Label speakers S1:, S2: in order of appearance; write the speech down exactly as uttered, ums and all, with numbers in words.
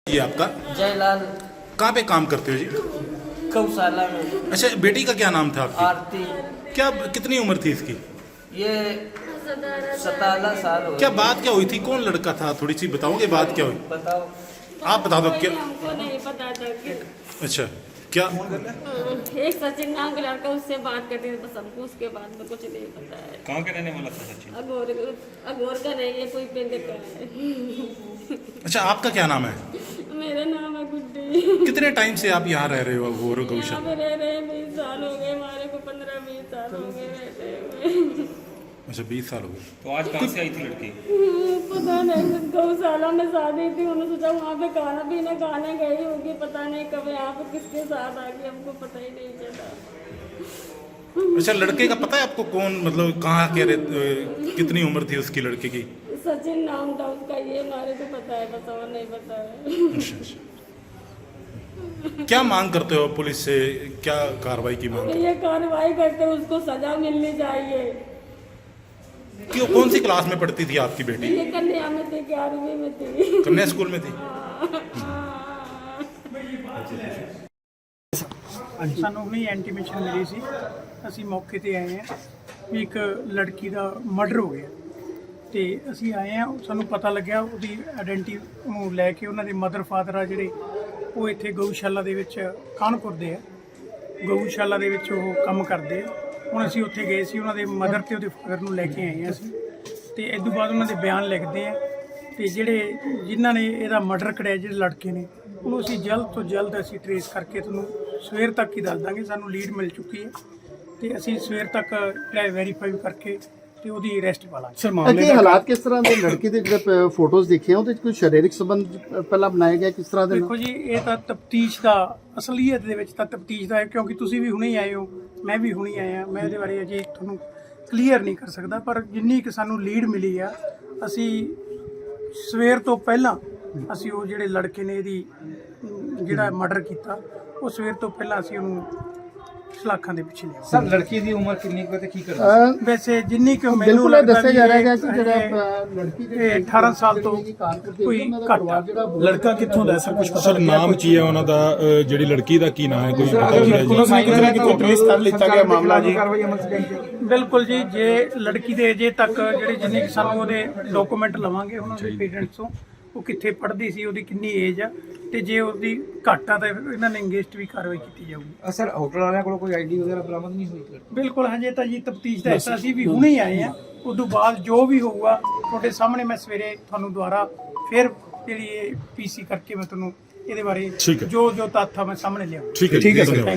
S1: ये आपका
S2: जयलाल
S1: कहाँ पे काम करते हो जी?
S2: गौशाला में।
S1: अच्छा, बेटी का क्या नाम था आपकी?
S2: आरती।
S1: क्या कितनी उम्र थी इसकी?
S2: ये सतारह साल हो
S1: क्या
S2: गए।
S1: बात क्या हुई थी? कौन लड़का था? थोड़ी सी बताओगे बात क्या हुई?
S2: बताओ।
S1: आप बता दो क्या।
S3: हमको नहीं पता था कि
S1: अच्छा, क्या
S3: एक सचिन नाम का लड़का उससे बात करती थी, बस हमको उसके बाद में कुछ नहीं पता है।
S4: कहाँ का रहने वाला था सचिन?
S3: अगोर अगोर का नहीं है, कोई पिंड का है।
S1: अच्छा, आपका क्या नाम है?
S3: मेरा नाम है गुड्डी।
S1: कितने टाइम से आप यहाँ रह रहे हो घोर
S3: यहाँ
S1: गौशाला?
S3: पे रह रहे बीस साल हो गए, हमारे को पंद्रह बीस साल हो गए रहते हुए।
S1: अच्छा, बीस साल हो गए।
S4: तो आज कहाँ से आई थी लड़की?
S3: पता नहीं, गौशाला में शादी थी, उन्होंने सोचा वहाँ पे खाना पीना खाने गई होगी, पता नहीं कब यहाँ पे किसके साथ आ गई, हमको पता ही नहीं चला।
S1: अच्छा, लड़के का पता है आपको? कौन, मतलब कहाँ के रहे, कितनी उम्र थी उसकी लड़के की?
S3: सचिन नाम था उसका, ये हमारे को पता है, बस और नहीं पता है।
S1: अच्छा अच्छा, क्या मांग करते हो पुलिस से? क्या कार्रवाई की मांग?
S3: ये कार्रवाई करते उसको सजा मिलनी चाहिए।
S1: क्यों, कौन सी क्लास में पढ़ती थी आपकी बेटी?
S3: ये कन्या में थी, ग्यारहवीं में थी।
S1: कन्या स्कूल में थी।
S5: ਸਾਨੂੰ ਵੀ ਇੰਟੀਮੇਸ਼ਨ ਮਿਲੀ ਸੀ, ਅਸੀਂ ਮੌਕੇ ਤੇ ਆਏ ਹਾਂ ਵੀ ਇੱਕ ਲੜਕੀ ਦਾ ਮਰਡਰ ਹੋ ਗਿਆ ਤੇ ਅਸੀਂ ਆਏ ਹਾਂ। ਸਾਨੂੰ ਪਤਾ ਲੱਗਿਆ ਉਹਦੀ ਆਇਡੈਂਟੀ ਨੂੰ ਲੈ ਕੇ ਉਹਨਾਂ ਦੇ ਮਦਰ ਫਾਦਰ ਆ ਜਿਹੜੇ ਉਹ ਇੱਥੇ ਗਊਸ਼ਾਲਾ ਦੇ ਵਿੱਚ ਕਾਨਪੁਰ ਦੇ ਆ, ਗਊਸ਼ਾਲਾ ਦੇ ਵਿੱਚ ਉਹ ਕੰਮ ਕਰਦੇ ਆ। ਹੁਣ ਅਸੀਂ ਉੱਥੇ ਗਏ ਸੀ, ਉਹਨਾਂ ਦੇ ਮਦਰ ਤੇ ਉਹਦੇ ਫਾਦਰ ਨੂੰ ਲੈ ਕੇ ਆਏ ਹਾਂ ਅਸੀਂ, ਤੇ ਇਸ ਤੋਂ ਬਾਅਦ ਉਹਨਾਂ ਦੇ ਬਿਆਨ ਲਿਖਦੇ ਆ ਤੇ ਜਿਹੜੇ ਜਿਨ੍ਹਾਂ ਨੇ ਇਹਦਾ ਮਰਡਰ ਕਰਿਆ, ਜਿਹੜੇ ਲੜਕੇ ਨੇ, ਉਹਨੂੰ ਅਸੀਂ ਜਲਦ ਤੋਂ ਜਲਦ ਅਸੀਂ ਟਰੇਸ ਕਰਕੇ ਤੁਹਾਨੂੰ ਸਵੇਰ ਤੱਕ ਹੀ ਦੱਸ ਦਾਂਗੇ। ਸਾਨੂੰ ਲੀਡ ਮਿਲ ਚੁੱਕੀ ਹੈ ਤੇ ਅਸੀਂ ਸਵੇਰ ਤੱਕ ਜਿਹੜਾ ਵੈਰੀਫਾਈ ਕਰਕੇ ਤੇ ਉਹਦੀ ਅਰੈਸਟ ਪਾ ਲਾਂਗੇ।
S6: ਸਰ, ਮਾਮਲੇ ਦੇ ਹਾਲਾਤ ਕਿਸ ਤਰ੍ਹਾਂ ਦੇ? ਲੜਕੀ ਦੇ ਜਿਹੜੇ ਫੋਟੋਜ਼ ਦੇਖੇ ਆ ਉਹਦੇ ਵਿੱਚ ਕੋਈ ਸਰੀਰਕ ਸੰਬੰਧ ਪਹਿਲਾਂ ਬਣਾਇਆ ਗਿਆ, ਕਿਸ ਤਰ੍ਹਾਂ ਦੇ
S5: ਦੇਖੋ ਜੀ, ਇਹ ਤਾਂ ਤਫਤੀਸ਼ ਦਾ, ਅਸਲੀਅਤ ਦੇ ਵਿੱਚ ਤਾਂ ਤਫਤੀਸ਼ ਦਾ ਹੈ, ਕਿਉਂਕਿ ਤੁਸੀਂ ਵੀ ਹੁਣੇ ਹੀ ਆਏ ਹੋ, ਮੈਂ ਵੀ ਹੁਣੇ ਆਇਆ। ਮੈਂ ਇਹਦੇ ਬਾਰੇ ਅਜੇ ਤੁਹਾਨੂੰ ਕਲੀਅਰ ਨਹੀਂ ਕਰ ਸਕਦਾ, ਪਰ ਜਿੰਨੀ ਕਿ ਸਾਨੂੰ ਲੀਡ ਮਿਲੀ ਆ, ਅਸੀਂ ਸਵੇਰ ਤੋਂ ਪਹਿਲਾਂ ਅਸੀਂ ਉਹ ਜਿਹੜੇ ਲੜਕੇ ਨੇ ਇਹਦੀ ਜਿਹੜਾ ਮਰਡਰ ਕੀਤਾ, ਉਹ ਸਵੇਰ ਤੋਂ ਪਹਿਲਾਂ ਅਸੀਂ ਉਹਨੂੰ ਸਲਾਖਾਂ ਦੇ ਪਿੱਛੇ ਲਿਆ।
S7: ਸਰ, ਲੜਕੀ ਦੀ ਉਮਰ ਕਿੰਨੀ ਕੁ ਤੇ ਕੀ ਕਰਦਾ?
S6: ਅਹ
S5: ਵੈਸੇ ਜਿੰਨੀ ਕਿ ਮੈਨੂੰ
S6: ਬਿਲਕੁਲ
S5: ਲੱਗਦਾ
S6: ਦੱਸਿਆ
S5: ਵੀ
S6: ਜਾ
S5: ਇਹ-
S6: ਰਿਹਾ ਹੈ ਕਿ ਜਿਹੜਾ
S5: ਇਹ-
S6: ਅਹ, ਲੜਕੀ ਦੇ
S5: ਇਹ ਅਠਾਰਾਂ ਸਾਲ ਤੋਂ ਕੋਈ ਘੱਟ ਆ।
S8: ਲੜਕਾ ਕਿੱਥੋਂ ਦਾ ਸਰ, ਕੁਝ ਪਤਾ? ਸਰ, ਨਾਮ ਕੀ ਹੈ ਉਹਨਾਂ ਦਾ? ਅ, ਜਿਹੜੀ ਲੜਕੀ ਦਾ ਕੀ ਨਾਮ ਹੈ, ਕੋਈ ਪਤਾ ਲੱਗਿਆ ਜੀ?
S7: ਟ੍ਰੇਸ ਕਰ ਲਿੱਤਾ ਗਿਆ ਮਾਮਲਾ ਜੀ। ਕਾਰਵਾਈ ਅਮਲ ਚ ਲਿਆਂਦੀ
S5: ਬਿਲਕੁਲ ਜੀ, ਜੇ ਲੜਕੀ ਦੇ ਅਜੇ ਤੱਕ ਜਿਹੜੇ ਜਿੰਨੇ ਕਿ ਸਾਨੂੰ ਉਹਦੇ ਡਾਕੂਮੈਂਟ ਲਵਾਂਗੇ ਉਹਨਾਂ ਦੇ ਪੇਰੈਂਟਸ ਤੋਂ, ਉਹ ਕਿੱਥੇ ਪੜ੍ਹਦੀ ਸੀ, ਉਹਦੀ ਕਿੰਨੀ ਏਜ ਆ, ਤੇ ਜੇ ਉਹਦੀ ਘੱਟ ਆ ਤਾਂ ਇਹਨਾਂ ਨੇ ਇੰਗੇਜਡ ਵੀ ਕਾਰਵਾਈ ਕੀਤੀ ਜਾਊਗੀ।
S7: ਸਰ, ਹੋਟਲ ਵਾਲਿਆਂ ਕੋਲ ਕੋਈ ਆਈਡੀ ਵਗੈਰਾ ਬਰਾਮਦ ਨਹੀਂ ਹੋਈ?
S5: ਬਿਲਕੁਲ, ਹਜੇ ਤਾਂ ਜੀ ਤਫਤੀਸ਼ ਦਾ ਹਿੱਸਾ ਸੀ, ਵੀ ਹੁਣੇ ਹੀ ਆਏ ਆ। ਉਸ ਤੋਂ ਬਾਅਦ ਜੋ ਵੀ ਹੋਊਗਾ ਤੁਹਾਡੇ ਸਾਹਮਣੇ ਮੈਂ ਸਵੇਰੇ ਤੁਹਾਨੂੰ ਦੁਬਾਰਾ ਫਿਰ ਜਿਹੜੀ ਇਹ ਪੀਸੀ ਕਰਕੇ ਮੈਂ ਤੁਹਾਨੂੰ ਇਹਦੇ ਬਾਰੇ
S1: ਠੀਕ ਹੈ।
S5: ਜੋ ਜੋ ਤੱਥ ਆ ਮੈਂ ਸਾਹਮਣੇ ਲਿਆਉਂਗਾ।
S1: ठीक है,
S5: ਠੀਕ ਹੈ
S1: धन्यवाद।
S5: ਸਰ।